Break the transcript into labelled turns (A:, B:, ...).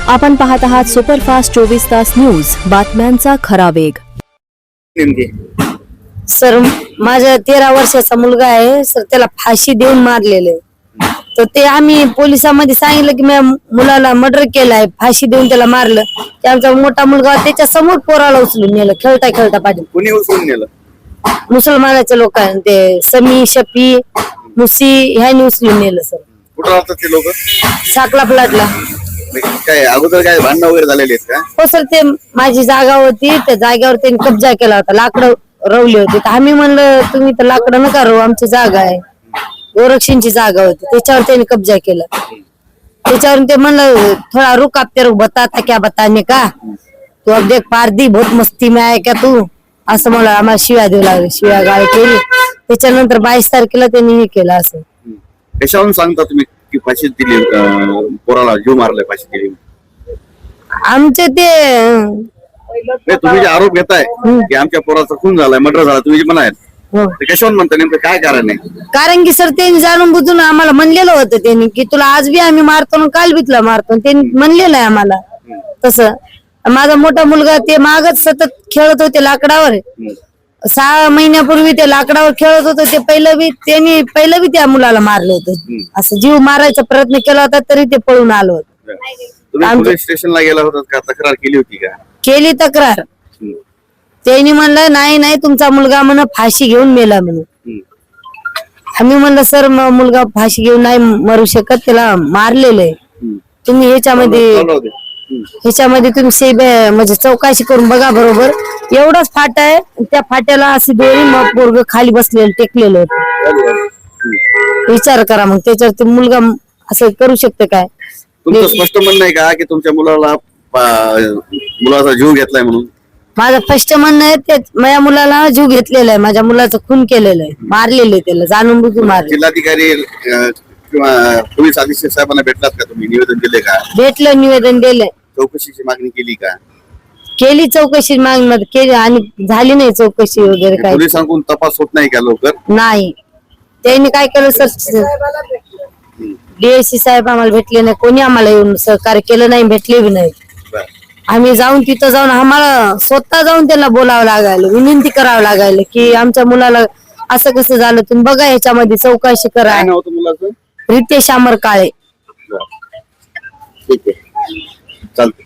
A: आपण पाहत आहात सुपरफास्ट 24 तास न्यूज, बातम्यांचा खरा वेग।
B: सर, माझा 13 वर्षाचा मुलगा आहे सर, त्याला फाशी देऊन मारलेले। तर ते आम्ही पोलिसांमध्ये सांगितलं की मी मुलाला मर्डर केलाय, फाशी देऊन त्याला मारलं। त्याचा मोठा मुलगा त्याच्या समोर पोराला उचलून नेलं, खेळता खेळता पाठी।
C: कोणी उचलून नेलं?
B: मुसलमानाच्या लोकांनी, ते समी शफी मुसी ह्यानी उचलून नेलं सर।
C: कुठं राहतात ते लोक?
B: साकला प्लॉटला।
C: काय अगोदर काय भांडणं वगैरे झालेली आहेत का?
B: हो सर, ते माझी जागा होती, त्या जागेवर त्यांनी कब्जा केला होता, लाकडं रवली होती। तर आम्ही म्हणलं तुम्ही तर लाकडं नका रवू, आमची जागा आहे, गोरक्षणची जागा होती, त्याच्यावर त्यांनी कब्जा केला। त्याच्यावरून ते म्हणलं थोडा रुक, आप तेरे को बताता क्या बताने का, तू अब देख पारदी बहुत मस्ती में आहे का तू, असं मला आम्हाला शिव्या देऊ लागले, शिव्या गाळ केली। त्याच्यानंतर 22 तारखेला त्यांनी हे केलं। असं
C: कशावरून सांगता तुम्ही की फाशी दिली, पोराला जीव मारलाय, फाशी दिली?
B: आमचे ते
C: तुम्ही जे आरोप घेताय की आमच्या पोराचा खून झालाय, मर्डर झाला, तुम्ही जे म्हणाल ते कशावरून म्हणता? नेमकं काय कारण आहे?
B: कारण की सर त्यांनी जाणून बुजून आम्हाला म्हणलेलं होतं त्यांनी की तुला आज बी आम्ही मारतो ना काल बी तुला मारतो, त्यांनी म्हणलेलं आहे आम्हाला तसं। माझा मोठा मुलगा ते मागच सतत खेळत होते लाकडावर, 6 महिन्यापूर्वी ते लाकडावर खेळत होतं, ते त्यांनी पहिलं बी त्या मुलाला मारलं होतं। असं जीव मारायचा प्रयत्न केला होता तरी ते पळून आलो होतं।
C: तुम्ही पोलीस स्टेशनला गेला होता का? तक्रार केली होती का?
B: केली तक्रार, त्यांनी म्हणलं नाही नाही तुमचा मुलगा म्हण फाशी घेऊन मेला म्हणून। आम्ही म्हणलं सर मुलगा फाशी घेऊन नाही मरू शकत, त्याला मारलेलं आहे, तुम्ही ह्याच्यामध्ये तुम्ही म्हणजे चौकशी करून बघा बरोबर। एवढाच फाटा आहे, त्या फाट्याला अशी दोरी मग पोरग खाली बसलेलं टेकलेलं होतं। विचार करा मग, त्याच्यावर ते मुलगा असं करू शकते काय?
C: तुमचं स्पष्ट म्हणणं आहे का की तुमच्या मुलाचा जीव घेतलाय म्हणून?
B: माझं स्पष्ट म्हणणं आहे, ते माझ्या मुलाला जीव घेतलेला आहे, माझ्या मुलाचं खून केलेलं आहे, मारलेलं आहे, त्याला जाणून बुजून मारले।
C: जिल्हाधिकारी किंवा पोलीस अधीक्षक साहेबांना भेटलात का तुम्ही? निवेदन दिले का?
B: भेटलं, निवेदन दिलंय,
C: चौकशीची मागणी केली का?
B: केली चौकशी मागणी केली आणि झाली नाही चौकशी वगैरे काय,
C: पोलिसांकडून तपास होत नाही का लवकर?
B: नाही। त्यांनी काय केलं सर, डीएससी साहेब आम्हाला भेटले नाही, कोणी आम्हाला येऊन सहकार्य केलं नाही, भेटले बी नाही। आम्ही तिथं जाऊन आम्हाला स्वतः जाऊन त्यांना बोलावं लागायला, विनंती करावं लागायला की आमच्या मुलाला असं कसं झालं, तुम्ही बघा याच्यामध्ये चौकशी करा।
C: काय नाव होतं मुलाचं?
B: रितेश अमर काळे।
C: ठीक आहे, चालतंय।